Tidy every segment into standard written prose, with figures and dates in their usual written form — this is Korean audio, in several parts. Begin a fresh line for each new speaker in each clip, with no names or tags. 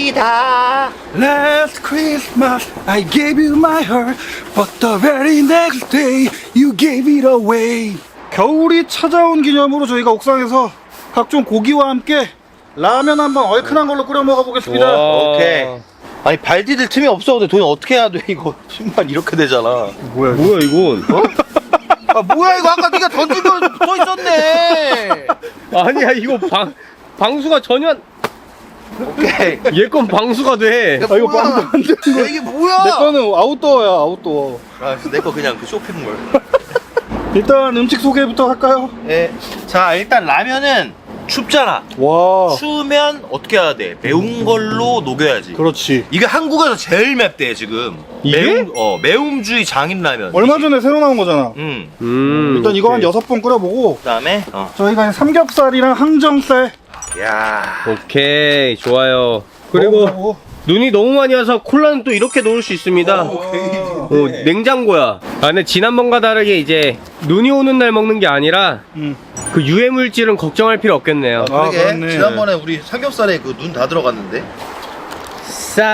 봅시다.
Last Christmas I gave you my heart, but the very next day you gave it away. 겨울이 찾아온 기념으로 저희가 옥상에서 각종 고기와 함께 라면 한번 얼큰한 걸로 끓여 먹어보겠습니다.
와.
오케이. 아니 발 디딜 틈이 없어. 근데 돈 어떻게 해야 돼? 이거 신발 이렇게 되잖아.
뭐야
뭐야 이건?
아 뭐야 이거 아까 네가 던진 거 붙어 있었네.
아니야 이거 방수가 전혀
오케이.
얘 건 방수가 돼.
아 이거 말도 안 되는
야,
거야.
이게 뭐야?
내 거는 아웃도어야 아웃도어.
아, 내 거 그냥 그 쇼핑몰.
일단 음식 소개부터 할까요?
예. 자 일단 라면은 춥잖아.
와
추우면 어떻게 해야 돼? 매운 걸로 녹여야지.
그렇지.
이게 한국에서 제일 맵대 지금.
이게?
매움주의 장인 라면.
얼마 전에 새로 나온 거잖아. 일단 이거 한
오케이.
6번 끓여보고
그다음에
저희가 삼겹살이랑 항정살
야.
오케이 좋아요. 그리고
먹어보고.
눈이 너무 많이 와서 콜라는 또 이렇게 놓을 수 있습니다. 냉장고야. 아 근데 지난번과 다르게 이제 눈이 오는 날 먹는 게 아니라 그 유해 물질은 걱정할 필요 없겠네요.
그러게
그렇네.
지난번에 우리 삼겹살에 그 눈 다 들어갔는데.
쌈.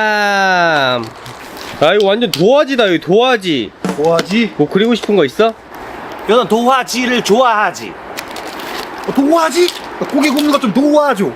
아 이거 완전 도화지다. 이거 도화지.
뭐하지?
뭐 그리고 싶은 거 있어?
너는 도화지를 좋아하지?
도와지? 고기 굽는 거 좀 도와줘.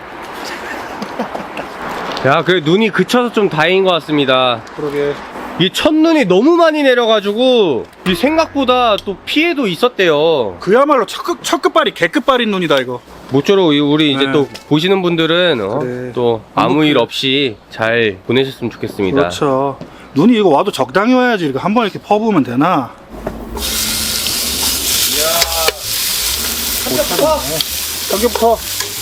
야 그래 눈이 그쳐서 좀 다행인 것 같습니다.
그러게.
이 첫눈이 너무 많이 내려가지고 이 생각보다 또 피해도 있었대요.
그야말로 첫 끝발이 개끝발인 눈이다 이거.
모쪼록 우리 이제
네.
또 보시는 분들은
그래.
또 아무 일 없이 잘 보내셨으면 좋겠습니다.
그렇죠. 눈이 이거 와도 적당히 와야지. 이거 한번 이렇게 퍼부으면 되나? 삼겹부터.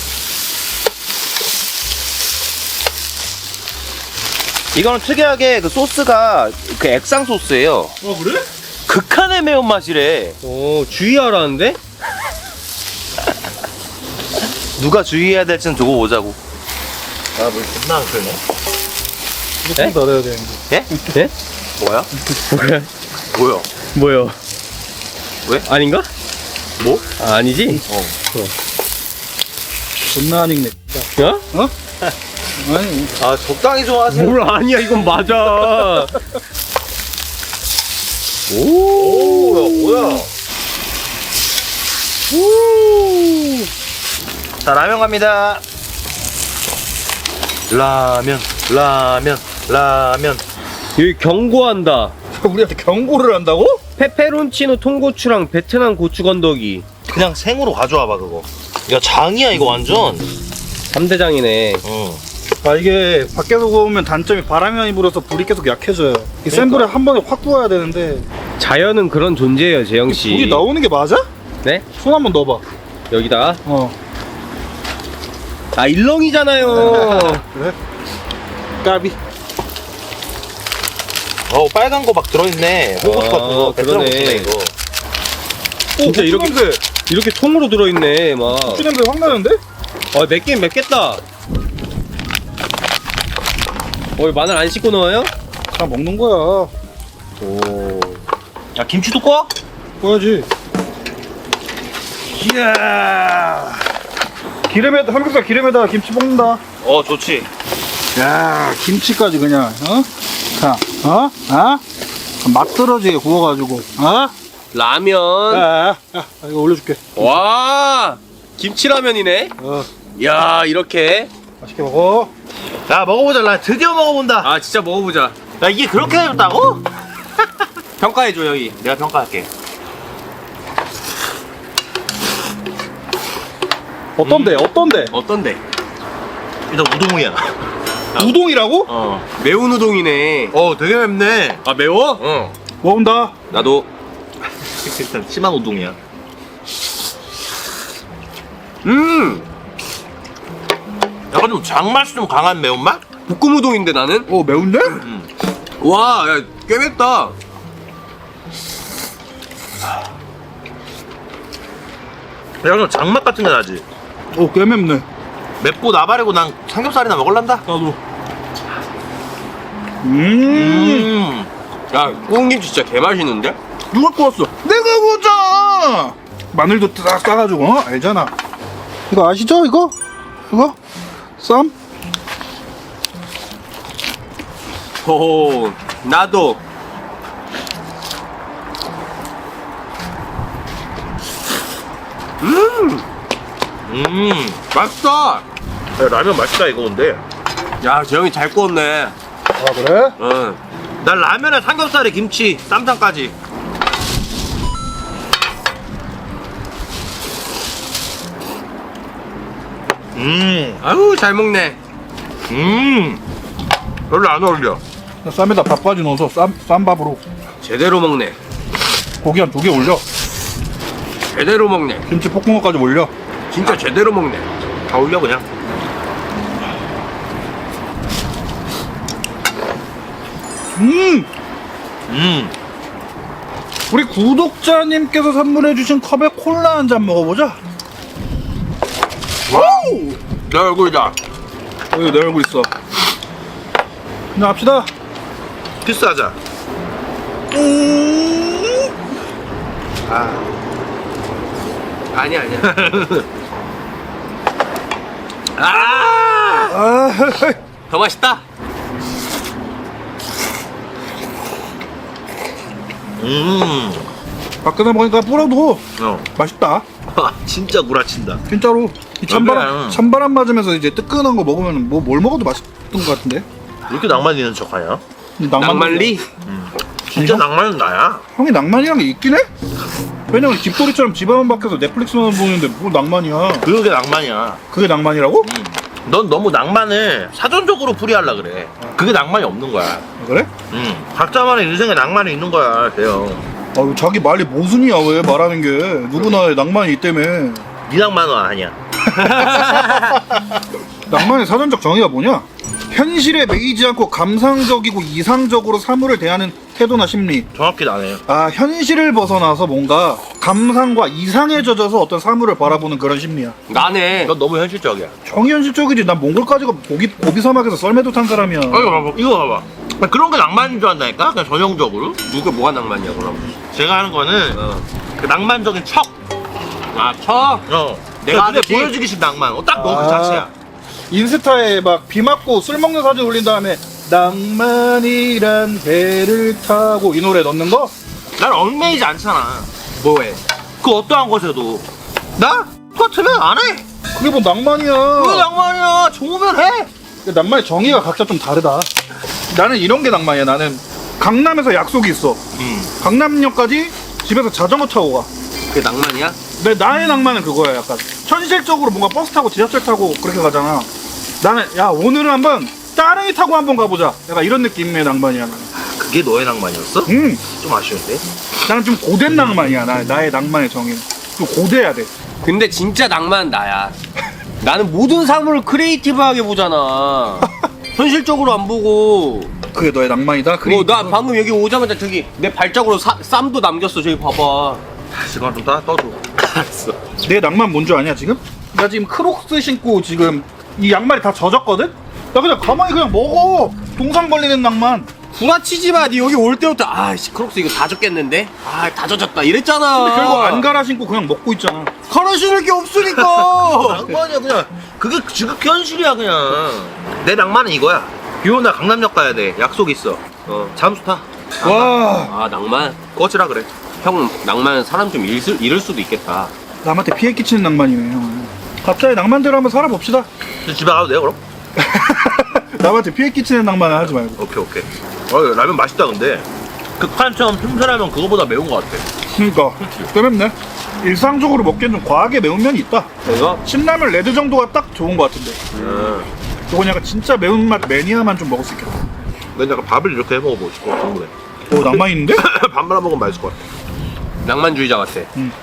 이거는 특이하게 그 소스가 그 액상 소스예요.
그래?
극한의 매운맛이래.
오 주의하라는데?
누가 주의해야 될지는 두고 보자고. 아, 뭘 존나 안 끓네.
조금 더 넣어야 되는데.
예?
예?
뭐야?
뭐야?
뭐야?
뭐요?
왜?
아닌가?
뭐?
아, 아니지?
존나 안 익네.
어?
아니.
아, 적당히 좀 하세요.
뭘 아니야 이건 맞아.
오, 야, 뭐야? 자, 라면 갑니다. 라면.
여기 경고한다.
우리한테 경고를 한다고?
페페론치노 통고추랑 베트남 고추 건더기.
그냥 생으로 가져와봐, 그거. 야, 장이야, 이거 완전.
3대장이네.
응.
아 이게 밖에서 구우면 단점이 바람이 많이 불어서 불이 계속 약해져요. 이 센 불에 한 번에 확 구워야 되는데.
자연은 그런 존재예요, 재영씨.
불이 나오는 게 맞아?
네?
손 한번 넣어봐.
여기다가.
아
일렁이잖아요.
그래? 까비.
빨간 거 막 들어있네. 홍고추 같은 거. 베트남
그러네.
고추네, 이거.
진짜 이렇게 통으로 들어있네, 막.
고추 냄새 확 나는데?
아, 맵긴 맵겠다. 마늘 안 씻고 넣어요?
다 먹는 거야.
야, 김치도 꺼?
꺼야지. 이야. 기름에다 삼겹살 기름에다가 김치 볶는다.
좋지.
야 김치까지 그냥 자 맛 떨어지게 구워가지고
라면.
이거 올려줄게.
와, 김치라면이네. 야, 이렇게.
맛있게 먹어.
야, 먹어보자. 나 드디어 먹어본다.
아, 진짜 먹어보자.
야, 이게 그렇게 해줬다고?
평가해줘, 여기.
내가 평가할게.
어떤데?
어떤데?
일단 우동이야.
우동이라고?
매운 우동이네.
되게 맵네.
아, 매워?
응.
먹은다.
나도.
일단 심한 우동이야. 약간 좀 장맛이 좀 강한 매운맛?
볶음 우동인데 나는?
매운데?
와, 야, 꽤 맵다.
약간 좀 장맛 같은 게 나지.
꽤 맵네.
맵고 나발이고 난 삼겹살이나 먹을란다.
나도.
야, 구운 김치 진짜 개맛있는데?
누가 구웠어? 내가 구웠잖아. 마늘도 딱 싸가지고 알잖아. 이거 아시죠 이거? 쌈?
오, 나도.
맛있다. 야, 라면 맛있다 이거 근데.
야, 재영이 잘 구웠네.
아 그래?
응.
난 라면에 삼겹살에 김치, 쌈장까지.
아유, 잘 먹네.
별로 안 어울려.
쌈에다 밥까지 넣어서 쌈밥으로
제대로 먹네.
고기 한 2개 올려.
제대로 먹네.
김치 볶음밥까지 올려.
진짜 제대로 먹네.
다 올려 그냥.
우리 구독자님께서 선물해주신 컵에 콜라 한 잔 먹어보자.
와우. 내 얼굴이다.
여기 내 얼굴 있어. 그냥 합시다.
키스하자.
아니야.
아,
더 맛있다.
밖에서 먹으니까 불어도 맛있다.
진짜 구라친다.
진짜로. 이
그래.
찬바람 맞으면서 이제 뜨끈한 거 먹으면 뭘 먹어도 맛있던 것 같은데.
왜 이렇게 낭만 있는 척하냐?
낭만리?
진짜 낭만은 나야.
형이 낭만이란 게 있긴 해? 왜냐면 집돌이처럼 집안 밖에서 넷플릭스만 보는데 뭐 낭만이야.
그게 낭만이야.
그게 낭만이라고?
넌 너무 낭만을 사전적으로 풀이하려 그래. 그게 낭만이 없는 거야.
아, 그래?
각자만의 인생에 낭만이 있는 거야, 대형.
아유, 자기 말이 모순이야. 왜 말하는 게 누구나 낭만이 있다며.
네 낭만은 아니야.
낭만의 사전적 정의가 뭐냐? 현실에 매이지 않고 감상적이고 이상적으로 사물을 대하는 태도나 심리.
정확히 나네.
아, 현실을 벗어나서 뭔가 감상과 이상에 젖어서 어떤 사물을 바라보는 그런 심리야.
나네.
넌 너무 현실적이야.
정의현실적이지. 난 몽골까지가 고비 사막에서 썰매도 탄 사람이야.
이거 봐봐. 그런 게 낭만인 줄 안다니까? 그냥 전형적으로.
누가 뭐가 낭만이야, 그럼?
제가 하는 거는 그 낭만적인 척.
아, 쳐?
내가
하듯이?
눈에 보여주기식 낭만. 딱 너 그
아.
자체야.
인스타에 막 비 맞고 술 먹는 사진 올린 다음에 낭만이란 배를 타고 이 노래 넣는 거?
난 얽매이지 않잖아.
뭐해?
그 어떠한 것에도. 나? 똑같으면 안 해.
그게 뭐 낭만이야.
왜 낭만이야? 좋으면 해.
낭만의 정의가 각자 좀 다르다. 나는 이런 게 낭만이야. 나는 강남에서 약속이 있어. 강남역까지 집에서 자전거 타고 가.
그게 낭만이야?
나의 낭만은 그거야. 약간 현실적으로 뭔가 버스 타고 지하철 타고 그렇게 가잖아. 나는 야 오늘은 한번 따릉이 타고 한번 가보자. 약간 이런 느낌의 낭만이야. 나는.
그게 너의 낭만이었어?
음,
좀 아쉬운데?
나는 좀 고된 낭만이야. 나의 낭만의 정의는 좀 고대해야 돼.
근데 진짜 낭만은 나야. 나는 모든 사물을 크리에이티브하게 보잖아. 현실적으로 안 보고.
그게 너의 낭만이다.
나 방금 여기 오자마자 저기 내 발자국으로 쌈도 남겼어. 저기 봐봐.
시간 좀 떠줘.
알았어.
내 낭만 뭔 줄 아냐 지금? 나 지금 크록스 신고 지금 이 양말이 다 젖었거든? 나 그냥 가만히 그냥 먹어. 동상 걸리는 낭만.
구라치지 마. 니 여기 올 때부터 아씨 크록스 이거 다 젖겠는데? 아 다 젖었다 이랬잖아.
근데 결국 안 갈아 신고 그냥 먹고 있잖아.
갈아 신을 게 없으니까.
낭만이야 그냥. 그게 지극히 현실이야 그냥. 내 낭만은 이거야. 비 오는 날 강남역 가야 돼. 약속 있어. 잠수 타.
와,
아 낭만?
꺼지라 그래.
형 낭만 사람 좀 잃을 수도 있겠다.
남한테 피해 끼치는 낭만이네 형. 각자의 낭만대로 한번 살아봅시다.
집에 가도 돼요 그럼?
남한테 피해 끼치는 낭만은 하지 말고.
오케이. 라면 맛있다 근데. 극한처럼 틈새라면 그거보다 매운 것 같아.
그러니까 꽤 맵네. 일상적으로 먹기엔 좀 과하게 매운 면이 있다.
내가?
신라면 레드 정도가 딱 좋은 것 같은데. 이건 약간 진짜 매운맛 매니아만 좀 먹을 수 있겠다.
난 약간 밥을 이렇게 해먹어보고 싶어 궁금해.
오, 낭만 있는데?
밥 말아 먹으면 맛있을 것 같아.
낭만주의자 같아.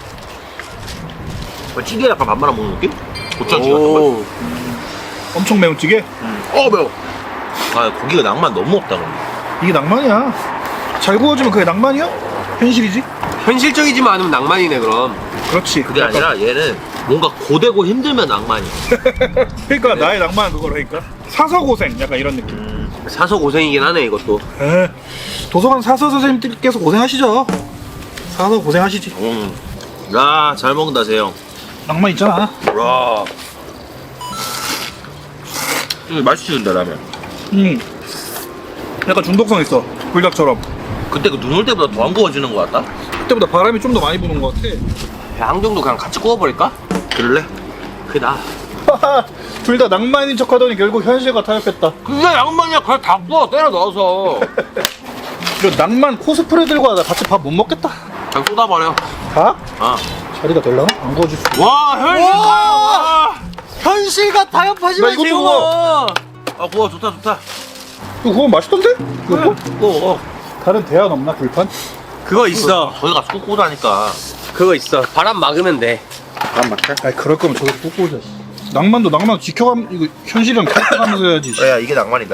찌개 약간 밥 말아 먹는 느낌? 고추장찌개 같은 거.
오.
엄청 매운 찌개?
매워. 아 고기가 낭만 너무 없다 근데.
이게 낭만이야. 잘 구워지면 그게 낭만이야? 현실이지?
현실적이지만 않으면 낭만이네 그럼.
그렇지.
그게 아니라 얘는 뭔가 고되고 힘들면 낭만이야.
그러니까 나의 낭만은 그거라니까. 사서 고생 약간 이런 느낌.
사서 고생이긴 하네 이것도.
에, 도서관 사서 선생님들께서 고생하시죠. 사서 고생하시지.
야, 잘 먹는다 재영.
낭만 있잖아.
와. 맛있지 근데 라면.
약간 중독성 있어. 불닭처럼.
그때 그 눈 올 때보다 더 안 구워지는 것 같다?
그때보다 바람이 좀 더 많이 부는 것 같아.
야, 항정도 그냥 같이 구워버릴까?
그럴래?
그게 나아.
둘 다 낭만인 척하더니 결국 현실과 타협했다.
그게 양반이야. 그냥 다 구워 때려 넣어서.
이거 낭만 코스프레들과 나 같이 밥 못 먹겠다.
그냥 쏟아버려.
다?
아.
자리가 될라나? 안 구워줄 수 있어.
와 현실.
현실과 타협하지만
나 이것도
재웅아.
아 구워 좋다 좋다.
이거 구우면 맛있던데? 이거 뭐?
구워.
다른 대안 없나? 불판?
그거 있어.
저희가 쑥 구우다니까.
그거 있어. 바람 막으면 돼.
안 맞게? 아니 그럴 거면 저기서 꼭 구우자. 낭만도 낭만 지켜가면 이거 현실이랑 켜가면서 해야지.
야 이게 낭만이다.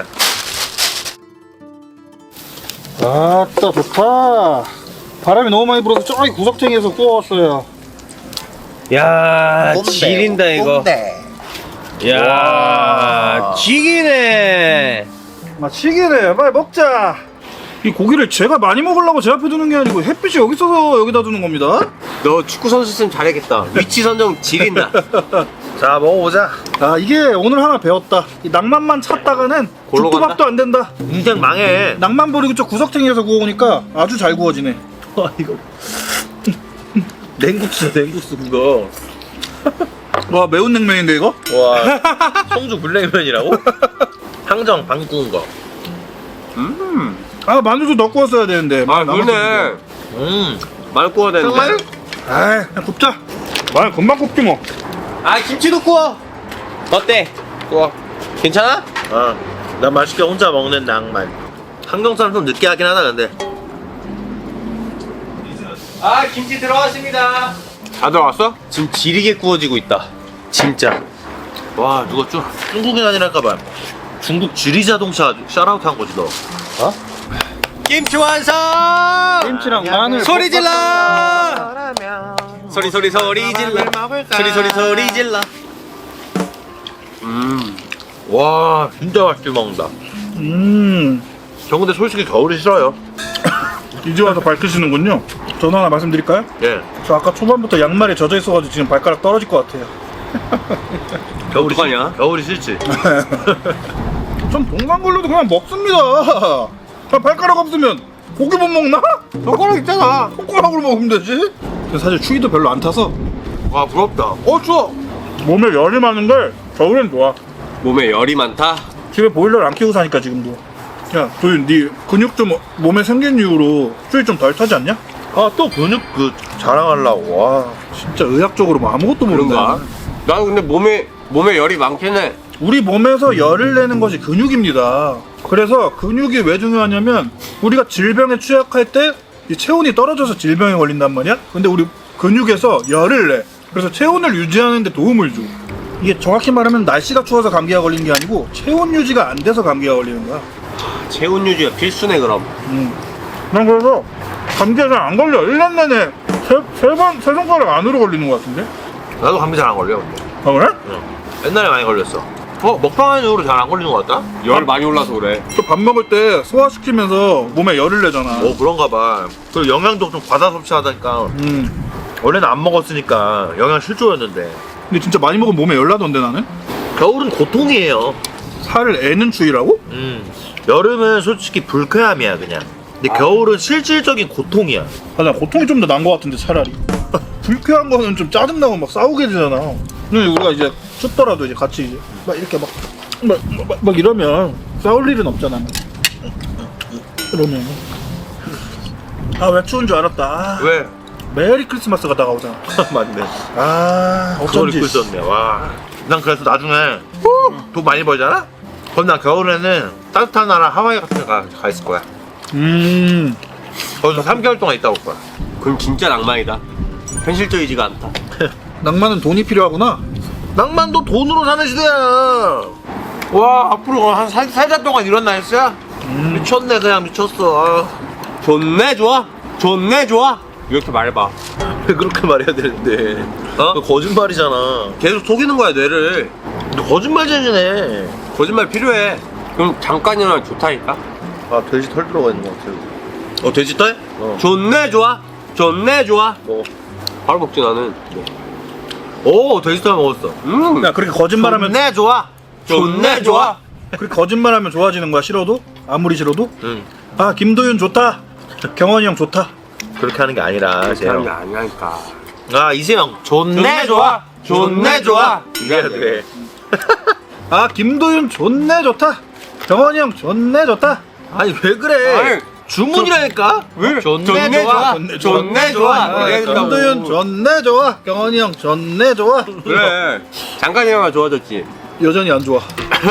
아따 좋다. 바람이 너무 많이 불어서 저기 구석탱이에서 구워왔어요.
야, 지린다 이거. 야,
와.
지기네.
맛있기네. 빨리 먹자. 이 고기를 제가 많이 먹으려고 제 앞에 두는 게 아니고 햇빛이 여기 있어서 여기다 두는 겁니다.
너 축구 선수였으면 잘하겠다. 위치 선정 지린다.
자 먹어보자.
아 이게 오늘 하나 배웠다. 이 낭만만 찾다가는
골로
죽도밥도 안 된다.
인생 망해.
낭만 버리고 저 구석탱이에서 구워오니까 아주 잘 구워지네.
와 이거 냉국수 그거.
와 매운 냉면인데 이거?
와 성주 불냉면이라고? 항정 방 구운 거.
아 마늘도 넣고 왔어야 되는데.
아,
마늘
그러네. 말 구워야 되는데.
정말?
아이 그냥 굽자. 마늘 금방 굽지 뭐.
아, 김치도 구워. 어때?
구워.
괜찮아?
나 맛있게 혼자 먹는 낭만. 항정 사람 좀 느끼하긴 하다 근데.
아, 김치 들어왔습니다.
다 들어왔어?
지금 지리게 구워지고 있다. 진짜.
와 누가 좀 중국인 아니랄까봐. 중국 지리자동차 샤라웃 한 거지 너.
김치 완성!
김치랑 마늘.
소리 질러! 소리 질러. 소리 질러.
와 진짜 맛있게 먹는다. 저 근데 솔직히 겨울이 싫어요.
이제 와서 밝히시는군요. 전화 하나 말씀드릴까요?
예.
저 아까 초반부터 양말에 젖어 있어가지고 지금 발가락 떨어질 것 같아요.
겨울이
어떡하냐?
겨울이 싫지.
전 동강 걸려도 그냥 먹습니다. 아, 발가락 없으면 고기 못 먹나?
손가락 있잖아.
손가락으로 먹으면 되지. 사실 추위도 별로 안 타서
와 부럽다. 추워.
몸에 열이 많은데 겨울엔 좋아.
몸에 열이 많다?
집에 보일러를 안 켜고 사니까 지금도. 야, 조윤, 네 근육 좀 몸에 생긴 이후로 추위 좀 덜 타지 않냐?
아 또 근육 그 자랑하려고. 와.
진짜 의학적으로 뭐 아무것도 모른다.
그런가? 난 근데 몸에 열이 많긴 해.
우리 몸에서 열을 내는 것이 근육입니다. 그래서 근육이 왜 중요하냐면 우리가 질병에 취약할 때 이 체온이 떨어져서 질병에 걸린단 말이야. 근데 우리 근육에서 열을 내. 그래서 체온을 유지하는 데 도움을 줘. 이게 정확히 말하면 날씨가 추워서 감기가 걸리는 게 아니고 체온 유지가 안 돼서 감기가 걸리는 거야.
체온 유지가 필수네 그럼.
난 그래서 감기가 잘 안 걸려. 1년 내내 세 손가락 안으로 걸리는 것 같은데?
나도 감기 잘 안 걸려 근데.
아 그래?
옛날에 많이 걸렸어. 먹방한 이후로 잘 안 걸리는 것 같다?
열 많이 올라서 그래.
또 밥 먹을 때 소화시키면서 몸에 열을 내잖아.
그런가 봐. 그리고 영양도 좀 과다 섭취하다니까. 원래는 안 먹었으니까 영양 실조였는데.
근데 진짜 많이 먹으면 몸에 열 나던데 나는?
겨울은 고통이에요.
살을 애는 추위라고?
여름은 솔직히 불쾌함이야 그냥. 근데 겨울은 실질적인 고통이야.
아, 나 고통이 좀 더 난 것 같은데 차라리. 불쾌한 거는 좀 짜증나고 막 싸우게 되잖아. 근데 우리가 이제 춥더라도 이제 같이 이제 막 이렇게 막 이러면 싸울 일은 없잖아. 그러면 아 왜 추운 줄 알았다. 아,
왜?
메리 크리스마스가 다가오잖아.
맞네.
아
그걸
어쩐지.
입고 있었네. 와. 난 그래서 나중에 돈 많이 벌잖아? 그럼 난 겨울에는 따뜻한 나라 하와이 같은 데 가 있을 거야. 거기서 3개월 동안 있다 올 거야.
그럼 진짜 낭만이다. 현실적이지가 않다.
낭만은 돈이 필요하구나.
낭만도 돈으로 사는 시대야. 와 앞으로 한 4달 동안 이런 날씨야? 미쳤네 그냥 미쳤어. 아.
좋네 좋아. 좋네 좋아. 이렇게 말해봐.
왜 그렇게 말해야 되는데? 그거 거짓말이잖아. 계속 속이는 거야 뇌를. 너 거짓말쟁이네.
거짓말 필요해. 그럼 잠깐이면 좋다니까.
아 돼지 털 들어가 있는 것 같아. 돼지 털?
좋네 좋아. 좋네 좋아.
먹어.
바로 먹지 나는.
오 돼지 털 먹었어.
야 그렇게 거짓말하면
좋네 좋아.
좋네 좋아.
그렇게 거짓말하면 좋아지는 거야 싫어도? 아무리 싫어도
응.
아 김도윤 좋다, 경원이 형 좋다.
그렇게 하는 게 아니라 재영.
아니라니까.
아 이세영 좋네 좋아. 좋네 좋아. 이래야 돼.
아 김도윤 좋네 좋다, 경원이 형 좋네 좋다.
아니 왜 그래?
아니,
주문이라니까.
왜?
좋네 좋아. 좋네 좋아.
아,
이래야 된다고.
김도윤 좋네 좋아, 경원이 형 좋네 좋아.
그래. 잠깐 영화 좋아졌지.
여전히 안 좋아.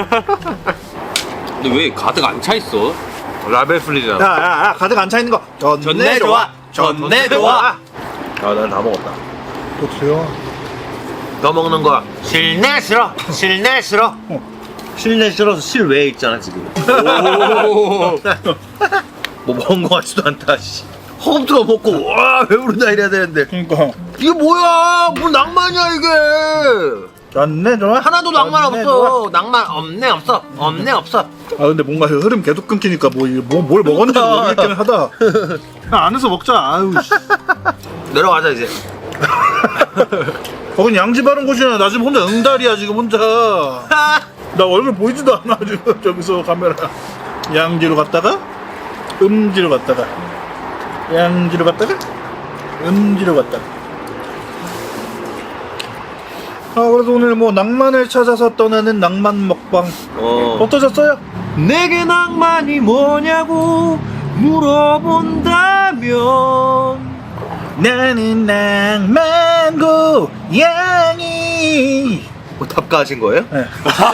근데 왜 가득 안 차 있어?
라벨 풀리잖아.
야 가득 안 차 있는 거
좋네 좋아. 좋네 좋아. 아난 다 먹었다.
또 드세요.
더 먹는 거. 실내 싫어. 실내 싫어. 실내 싫어서 실외에 있잖아 지금.
오.
뭐 먹은 거 같지도 않다. 씨. 허겁지겁 먹고 와 배부르다 이래야 되는데
그러니까
이게 뭐야? 뭘 낭만이야 이게?
좋네 좋아.
하나도 낭만
좋네,
없어. 낭만 없네 없어. 없네 없어.
아 근데 뭔가 흐름 계속 끊기니까 뭘 먹었는지 모르겠긴 하다. 그냥 안에서 먹자. 아유 씨.
내려가자 이제.
거긴 양지 바른 곳이야. 나 지금 혼자 응달이야 지금 혼자. 나 얼굴 보이지도 않아 지금 저기서 카메라. 양지로 갔다가 음지로 갔다가 양지로 갔다가 음지로 갔다가. 아 그래서 오늘 뭐 낭만을 찾아서 떠나는 낭만 먹방 어떠셨어요?
내게 낭만이 뭐냐고 물어본다면
나는 낭만 고양이.
뭐 답가하신 거예요?
네.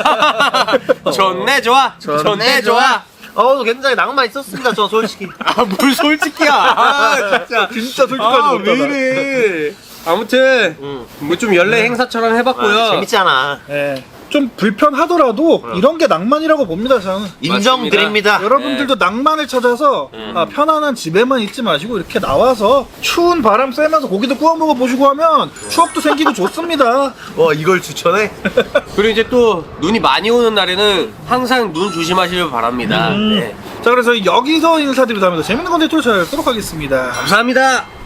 좋네 좋아. 좋네 좋아.
굉장히 낭만 있었습니다 저 솔직히.
뭘 솔직히야. 아 진짜.
진짜 솔직하지
아,
못하다.
왜 이래. 아무튼 뭐 좀 연례 행사처럼 해봤고요.
재밌잖아.
예. 좀 불편하더라도 이런 게 낭만이라고 봅니다 저는.
인정드립니다.
여러분들도 낭만을 찾아서 편안한 집에만 있지 마시고 이렇게 나와서 추운 바람 쐬면서 고기도 구워 먹어 보시고 하면 추억도 생기고 좋습니다.
이걸 추천해?
그리고 이제 또 눈이 많이 오는 날에는 항상 눈 조심하시길 바랍니다. 네.
자 그래서 여기서 인사드리도록 하면서 재밌는 컨텐츠로 찾아뵙도록 하겠습니다.
감사합니다.